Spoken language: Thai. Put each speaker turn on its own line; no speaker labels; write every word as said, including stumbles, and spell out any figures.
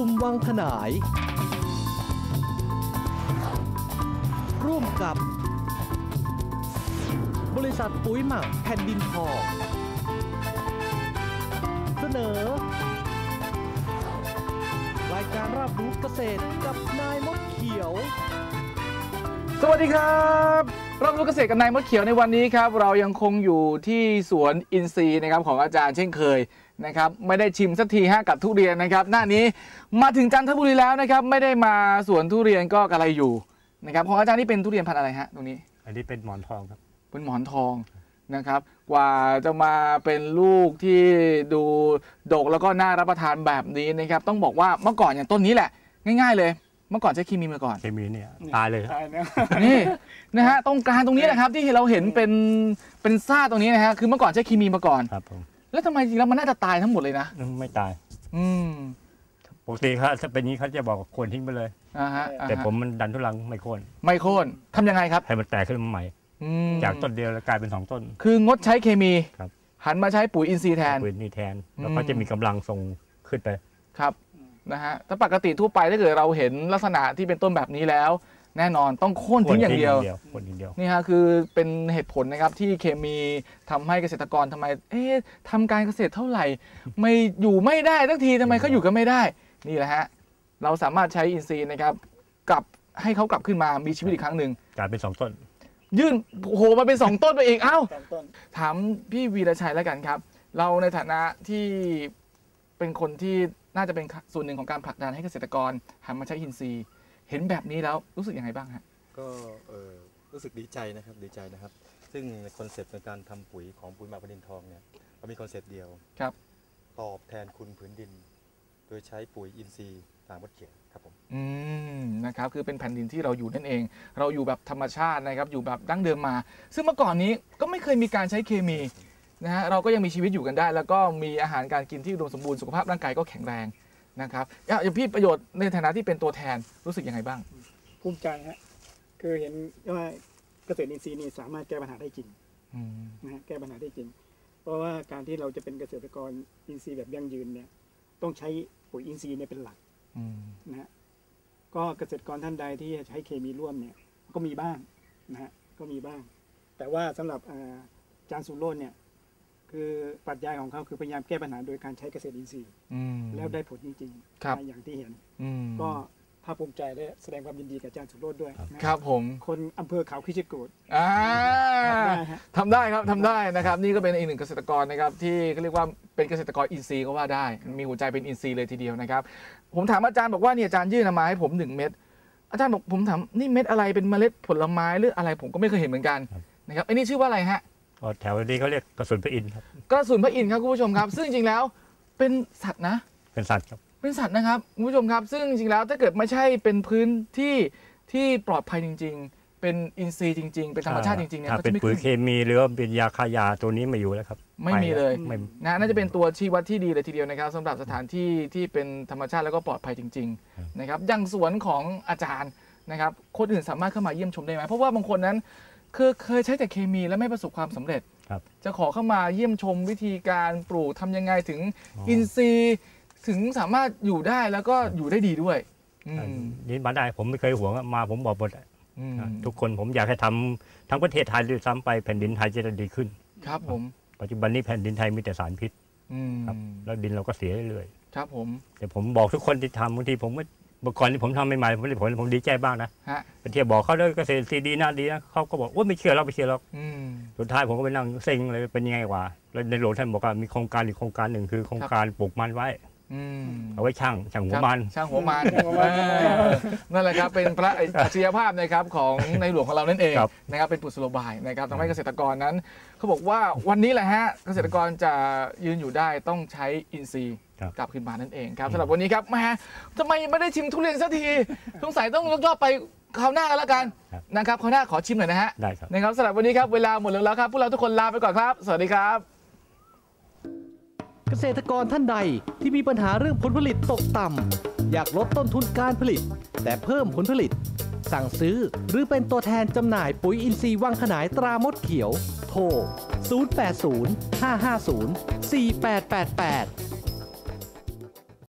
ลุ่มวังขนายร่วมกับบริษัทปุ๋ยหมักแผ่นดินทองเสนอรายการรับรู้เกษตรกับนายมดเขียว
สวัสดีครับรับรู้เกษตรกับนายมดเขียวในวันนี้ครับเรายังคงอยู่ที่สวนอินทรีย์นะครับของอาจารย์เช่นเคยนะครับไม่ได้ชิมสักทีฮะกับทุเรียนนะครับหน้านี้มาถึงจันทบุรีแล้วนะครับไม่ได้มาสวนทุเรียนก็กระไรอยู่นะครับของอาจารย์นี่เป็นทุเรียนพันธุ์อะไรฮะตรงนี้
อันนี้เป็นหมอนทองครับ
เป็นหมอนทองนะครับกว่าจะมาเป็นลูกที่ดูดกแล้วก็น่ารับประทานแบบนี้นะครับต้องบอกว่าเมื่อก่อนอย่างต้นนี้แหละง่ายๆเลยเมื่อก่อนใช้เคมีมาก่อน
เคมีเนี่ยตายเลย
นี่นะฮะตรงกลางตรงนี้นะครับที่เราเห็นเป็นเป็นซ่าตรงนี้นะฮะคือเมื่อก่อนใช้เคมีมาก่อน
ครับผม
แล้วทำไมจริงแล้วมันน่าจะตายทั้งหมดเลยนะ
ไม่ตาย
อืม
ปกติเขาถ้าเป็นนี้เขาจะบอกโค่นทิ้งไปเลย
อ่าฮะ
แต่ผมมันดันทุลังไม่โค่น
ไม่โค่นทำยังไงครับ
ให้มันแตกขึ้นมาใหม่จากต้นเดียวแล้วกลายเป็นสองต้น
คืองดใช้เคมี
ครับ
หันมาใช้ปุ๋ยอินทรีย์แทน
ปุ๋ยอินทรีย์แทนแล้วก็จะมีกำลังส่งขึ้นไป
ครับนะฮะถ้าปกติทั่วไปถ้าเกิดเราเห็นลักษณะที่เป็นต้นแบบนี้แล้วแน่นอนต้องโค่นทิ้งอย่างเดียวนี่ฮะคือเป็นเหตุผลนะครับที่เคมีทำให้เกษตรกรทำไมเอ๊ะทำการเกษตรเท่าไหร่ไม่อยู่ไม่ได้ทั้งทีทำไมเขาอยู่กันไม่ได้นี่แหละฮะเราสามารถใช้อินทรีย์นะครับกลับให้เขากลับขึ้นมามีชีวิตอีกครั้งหนึ่ง
กลายเป็นสองต้น
ยื่นโหมาเป็นสองต้นไปอีกเอ้าถามพี่วีรชัยแล้วกันครับเราในฐานะที่เป็นคนที่น่าจะเป็นส่วนหนึ่งของการผลักดันให้เกษตรกรหันมาใช้อินทรีย์เห็นแบบนี้แล้วรู้สึกยังไงบ้างฮะ
ก็รู้สึกดีใจนะครับดีใจนะครับซึ่งคอนเซปต์ในการทำปุ๋ยของปุ๋ยหมักแผ่นดินทองเนี่ยเรามีคอนเซปต์เดียว
ครับ
ตอบแทนคุณผืนดินโดยใช้ปุ๋ยอินทรีย์ตามมดเขียวครับผม
อืมนะครับคือเป็นแผ่นดินที่เราอยู่นั่นเองเราอยู่แบบธรรมชาตินะครับอยู่แบบดั้งเดิมมาซึ่งเมื่อก่อนนี้ก็ไม่เคยมีการใช้เคมีนะฮะเราก็ยังมีชีวิตอยู่กันได้แล้วก็มีอาหารการกินที่อุดมสมบูรณ์สุขภาพร่างกายก็แข็งแรงนะครับอย่างพี่ประโยชน์ในฐานะที่เป็นตัวแทนรู้สึกยังไงบ้าง
ภูมิใจฮะคือเห็นว่าเกษตรอินทรีย์นี่สามารถแก้ปัญหาได้จริงนะฮะแก้ปัญหาได้จริงเพราะว่าการที่เราจะเป็นเกษตรกรอินทรีย์แบบยั่งยืนเนี่ยต้องใช้ปุ๋ยอินทรีย์เนี่ยเป็นหลักนะฮะก็เกษตรกรท่านใดที่ใช้เคมีร่วมเนี่ยก็มีบ้างนะฮะก็มีบ้างแต่ว่าสำหรับอาจารย์สุโรจน์เนี่ยคือปรัชญาของเขาคือพยายามแก้ปัญหาโดยการใช้เกษตรอินทรีย์แล้วได้ผลจริงๆอย่างที่เห็นก็ภาคภูมิใจและแสดงความยินดีกับอาจารย์สุโรจน์ด้วย
ครับผม
คนอำเภอเขาคิชกูฏ
ทำได้ครับทำได้นะครับนี่ก็เป็นอีกหนึ่งเกษตรกรนะครับที่เขาเรียกว่าเป็นเกษตรกรอินทรีย์ก็ว่าได้มีหัวใจเป็นอินทรีย์เลยทีเดียวนะครับผมถามอาจารย์บอกว่าเนี่ยอาจารย์ยื่นมาให้ผมหนึ่งเม็ดอาจารย์บอกผมถามนี่เม็ดอะไรเป็นเมล็ดผลไม้หรืออะไรผมก็ไม่เคยเห็นเหมือนกันนะครับไอ้นี่ชื่อว่าอะไรฮะ
แถวนี้เขาเรียกกระสุนพระอินทร์ครับ
กระสุนพระอินทร์ครับคุณผู้ชมครับซึ่งจริงๆแล้วเป็นสัตว์นะ
เป็นสัตว์ครับ
เป็นสัตว์นะครับคุณผู้ชมครับซึ่งจริงๆแล้วถ้าเกิดไม่ใช่เป็นพื้นที่ที่ปลอดภัยจริงๆเป็นอินทรีย์จริงๆเป็นธรรมชาติจริงๆเนี่ย
ถ้าเป็นปุ๋ยเคมีหรือว่าเป็นยาฆ่าหญ้าตัวนี้ไม่อยู่แล้วครับ
ไม่มีเลยนะน่าจะเป็นตัวชี้วัดที่ดีเลยทีเดียวนะครับสำหรับสถานที่ที่เป็นธรรมชาติแล้วก็ปลอดภัยจริงๆนะครับอย่างสวนของอาจารย์นะครับคนอื่นสามารถเข้ามาเยี่ยมชมได้ไหมเพราะว่าบางคนนั้นคือเคยใช้แต่เคมีแล้วไม่ประสบความสำเร็จจะขอเข้ามาเยี่ยมชมวิธีการปลูกทำยังไงถึงอินทรีย์ถึงสามารถอยู่ได้แล้วก็อยู่ได้ดีด้วย
นี่มาได้ผมไม่เคยหวงมาผมบอกหมดทุกคนผมอยากให้ทำทั้งประเทศไทยด้วยซ้ำไปแผ่นดินไทยจะดีขึ้น
ครับผม
ปัจจุบันนี้แผ่นดินไทยมีแต่สารพิษครับแล้วดินเราก็เสียเรื่อย
ๆครับผม
แต่ผมบอกทุกคนที่ทำบางทีผมก็เมื่อก่อนที่ผมทำใหม่ๆผมได้ผลผมดีใจบ้างนะไปเที่ยวบอกเขาด้วยเกษตรซีดีน่าดีนะเขาก็บอกว่าไม่เชื่อเราไม่เชื่อเราสุดท้ายผมก็ไปนั่งเซ็งเลยเป็นยังไงวะแล้วในหลวงท่านบอกว่ามีโครงการอีกโครงการหนึ่งคือโครงการปลูกมันไว้เอาไว้ช่างช่างหัวมัน
ช่างหัวมันนั่นแหละครับเป็นพระอัจฉริยภาพนะครับของในหลวงของเรานั่นเองนะครับเป็นกุศโลบายนะครับทำให้เกษตรกรนั้นเขาบอกว่าวันนี้แหละฮะเกษตรกรจะยืนอยู่ได้ต้องใช้อินทรีย์กลับขึ้นมานั่นเองครับสำหรับวันนี้ครับแม่ทำไมไม่ได้ชิมทุเรียนสักทีสงสัยต้องยกยอดไปคราวหน้ากันแล้วกันนะครับคราวหน้าขอชิมหน่อยนะฮะ
ได้ครับ
นะครับสำหรับวันนี้ครับเวลาหมดแล้วครับพวกเราทุกคนลาไปก่อนครับสวัสดีครับ
เกษตรกรท่านใดที่มีปัญหาเรื่องผลผลิตตกต่ำอยากลดต้นทุนการผลิตแต่เพิ่มผลผลิตสั่งซื้อหรือเป็นตัวแทนจำหน่ายปุ๋ยอินทรีย์วังขนายตรามดเขียวโทรศูนย์ แปด ศูนย์ ห้า ห้า ศูนย์ สี่ แปด แปด แปด